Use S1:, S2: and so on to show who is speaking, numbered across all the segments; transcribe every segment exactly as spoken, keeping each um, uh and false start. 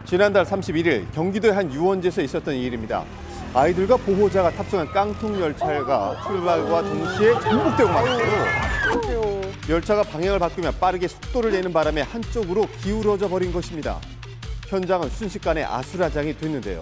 S1: 지난달 삼십일 일 경기도의 한 유원지에서 있었던 일입니다. 아이들과 보호자가 탑승한 깡통 열차가 출발과 동시에 전복되고 말았어요. 열차가 방향을 바꾸며 빠르게 속도를 내는 바람에 한쪽으로 기울어져 버린 것입니다. 현장은 순식간에 아수라장이 됐는데요.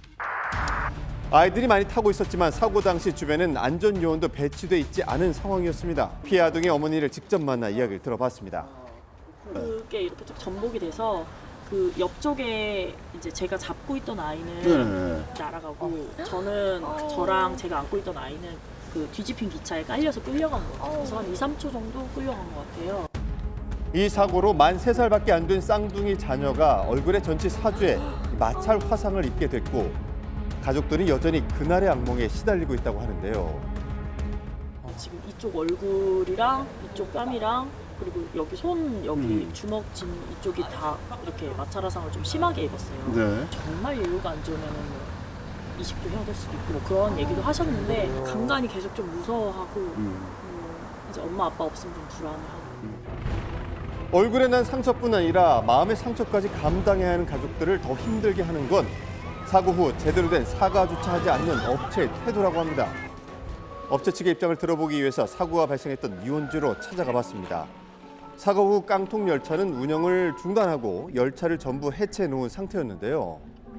S1: 아이들이 많이 타고 있었지만 사고 당시 주변엔 안전요원도 배치돼 있지 않은 상황이었습니다. 피해 아동의 어머니를 직접 만나 이야기를 들어봤습니다.
S2: 그게 이렇게 쭉 전복이 돼서 그 옆쪽에 이제 제가 잡고 있던 아이는
S3: 네네.
S2: 날아가고 저는 저랑 제가 안고 있던 아이는 그 뒤집힌 기차에 깔려서 끌려간 거예요. 그래서 한 이, 삼 초 정도 끌려간 것 같아요.
S1: 이 사고로 만 세 살밖에 안 된 쌍둥이 자녀가 얼굴에 전치 사주에 마찰 화상을 입게 됐고 가족들이 여전히 그날의 악몽에 시달리고 있다고 하는데요.
S2: 지금 이쪽 얼굴이랑 이쪽 뺨이랑 그리고 여기 손 여기
S3: 음.
S2: 주먹 진 이쪽이 다 이렇게 마찰 화상을 좀 심하게 입었어요.
S3: 네.
S2: 정말 예우가 안 좋으면 뭐 이식도 해야 될 수도 있고 뭐 그런 얘기도 하셨는데 간간히 계속 좀 무서워하고
S3: 음.
S2: 뭐 이제 엄마 아빠 없으면 좀 불안해하고.
S1: 얼굴에 난 상처뿐 아니라 마음의 상처까지 감당해야 하는 가족들을 더 힘들게 하는 건 사고 후 제대로 된 사과조차 하지 않는 업체의 태도라고 합니다. 업체 측의 입장을 들어보기 위해서 사고가 발생했던 유원지로 찾아가 봤습니다. 사고 후 깡통 열차는 운영을 중단하고 열차를 전부 해체해 놓은 상태였는데요.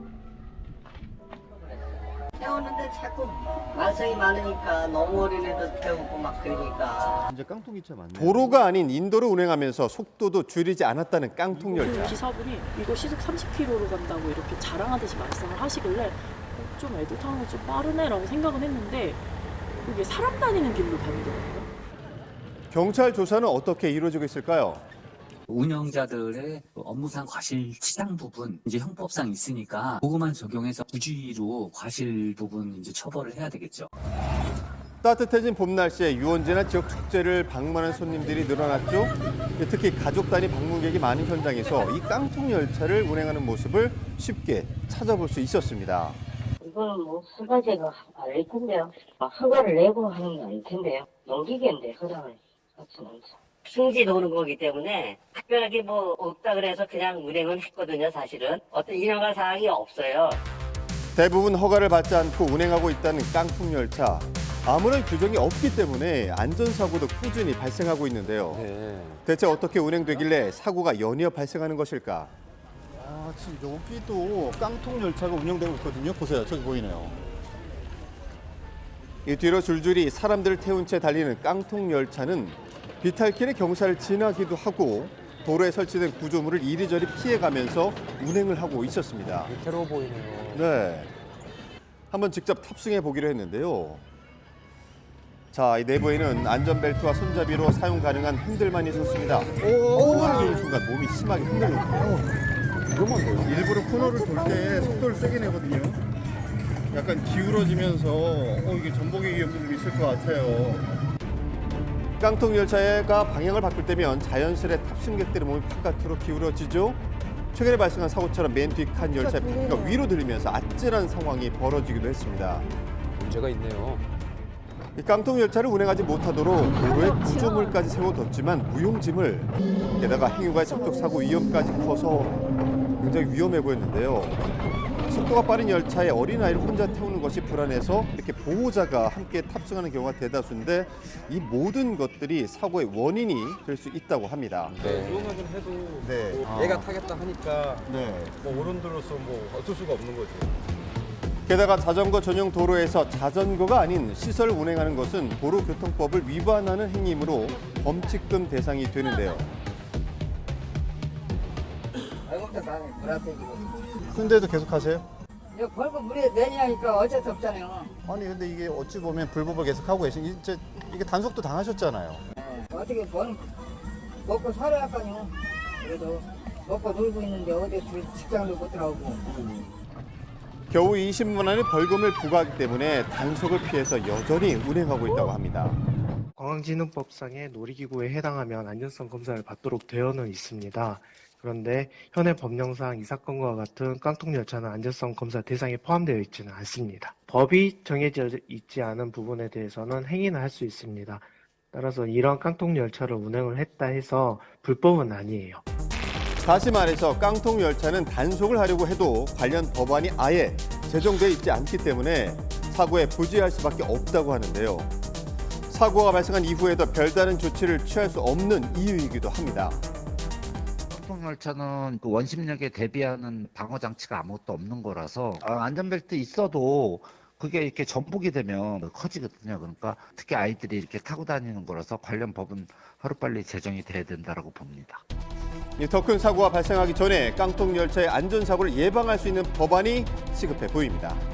S4: 태우는데 자꾸 말썽이 많으니까 너무 어린애도 태우고 막 그러니까.
S3: 이제 깡통기차 맞네요.
S1: 도로가 아닌 인도를 운행하면서 속도도 줄이지 않았다는 깡통
S2: 그
S1: 열차.
S2: 기사분이 이거 시속 삼십 킬로미터로 간다고 이렇게 자랑하듯이 말씀을 하시길래 어, 좀 애들 타는 거 좀 빠르네라고 생각은 했는데 이게 사람 다니는 길로 다니더라고요.
S1: 경찰 조사는 어떻게 이루어지고 있을까요?
S5: 운영자들의 업무상 과실 치상 부분 이제 형법상 있으니까 그것만 적용해서 부주의로 과실 부분 이제 처벌을 해야 되겠죠.
S1: 따뜻해진 봄 날씨에 유원지나 지역 축제를 방문하는 손님들이 늘어났죠. 특히 가족 단위 방문객이 많은 현장에서 이 깡통 열차를 운행하는 모습을 쉽게 찾아볼 수 있었습니다.
S6: 이거는 뭐 허가제가 아닐 텐데요. 막 허가를 내고 하는 게 아닐 텐데요. 넘기겠는데 허가를 같이는.
S4: 핑지 도는 거기 때문에 특별하게 뭐 없다 그래서 그냥 운행은 했거든요. 사실은 어떤 인허가 사항이 없어요.
S1: 대부분 허가를 받지 않고 운행하고 있다는 깡통 열차. 아무런 규정이 없기 때문에 안전사고도 꾸준히 발생하고 있는데요.
S3: 네.
S1: 대체 어떻게 운행되길래 사고가 연이어 발생하는 것일까?
S3: 아, 지금 여기도 깡통 열차가 운영되고 있거든요. 보세요. 저기 보이네요.
S1: 이 뒤로 줄줄이 사람들을 태운 채 달리는 깡통 열차는 비탈길에 경사를 지나기도 하고 도로에 설치된 구조물을 이리저리 피해가면서 운행을 하고 있었습니다.
S7: 위태로워 보이네요.
S1: 네, 한번 직접 탑승해 보기로 했는데요. 자, 이 내부에는 안전벨트와 손잡이로 사용 가능한 핸들만 있었습니다. 코너를 도는 순간 몸이 심하게 흔들렸고요.
S3: 위험한데요? 일부러 코너를 돌 때 속도를 세게 내거든요. 약간 기울어지면서 어, 이게 전복의 위험도 좀 있을 것 같아요.
S1: 깡통 열차가 방향을 바꿀 때면 자연스레 탑승객들의 몸이 바깥으로 기울어지죠. 최근에 발생한 사고처럼 맨 뒤 칸 열차의 바퀴가 위로 들리면서 아찔한 상황이 벌어지기도 했습니다.
S7: 문제가 있네요.
S1: 이 깡통 열차를 운행하지 못하도록 도로에 구조물까지 세워뒀지만 무용짐을 게다가 행유가의 접촉 사고 위험까지 커서 굉장히 위험해 보였는데요. 속도가 빠른 열차에 어린아이를 혼자 태우는 것이 불안해서 이렇게 보호자가 함께 탑승하는 경우가 대다수인데 이 모든 것들이 사고의 원인이 될 수 있다고 합니다.
S7: 네.
S8: 위험하긴 해도
S3: 네.
S8: 뭐
S3: 아.
S8: 얘가 타겠다 하니까
S3: 네.
S8: 뭐 어른들로서 뭐 어쩔 수가 없는 거죠.
S1: 게다가 자전거 전용 도로에서 자전거가 아닌 시설을 운행하는 것은 도로교통법을 위반하는 행위이므로 범칙금 대상이 되는데요.
S3: 근데도 계속 하세요?
S9: 이거 벌금 무리 내냐니까 어쩔 수 없잖아요.
S3: 아니 근데 이게 어찌 보면 불법을 계속 하고 계신 이제 이게 단속도 당하셨잖아요.
S9: 어떻게 번 먹고 살아야 할까요? 그래도 먹고 놀고 있는데 어디 직장도 못 들어오고.
S1: 겨우 이십만 원의 벌금을 부과하기 때문에 단속을 피해서 여전히 운행하고 있다고 합니다.
S10: 공항진흥법상의 놀이기구에 해당하면 안전성 검사를 받도록 되어는 있습니다. 그런데 현행 법령상 이 사건과 같은 깡통 열차는 안전성 검사 대상에 포함되어 있지는 않습니다. 법이 정해져 있지 않은 부분에 대해서는 행위는 할 수 있습니다. 따라서 이런 깡통 열차를 운행을 했다 해서 불법은 아니에요.
S1: 다시 말해서 깡통 열차는 단속을 하려고 해도 관련 법안이 아예 제정돼 있지 않기 때문에 사고에 부재할 수밖에 없다고 하는데요. 사고가 발생한 이후에도 별다른 조치를 취할 수 없는 이유이기도 합니다.
S11: 깡통열차는 그 원심력에 대비하는 방어 장치가 아무것도 없는 거라서 안전벨트 있어도 그게 이렇게 전복이 되면 커지거든요. 그러니까 특히 아이들이 이렇게 타고 다니는 거라서 관련 법은 하루빨리 제정이 돼야 된다고 봅니다.
S1: 더 큰 사고가 발생하기 전에 깡통 열차의 안전사고를 예방할 수 있는 법안이 시급해 보입니다.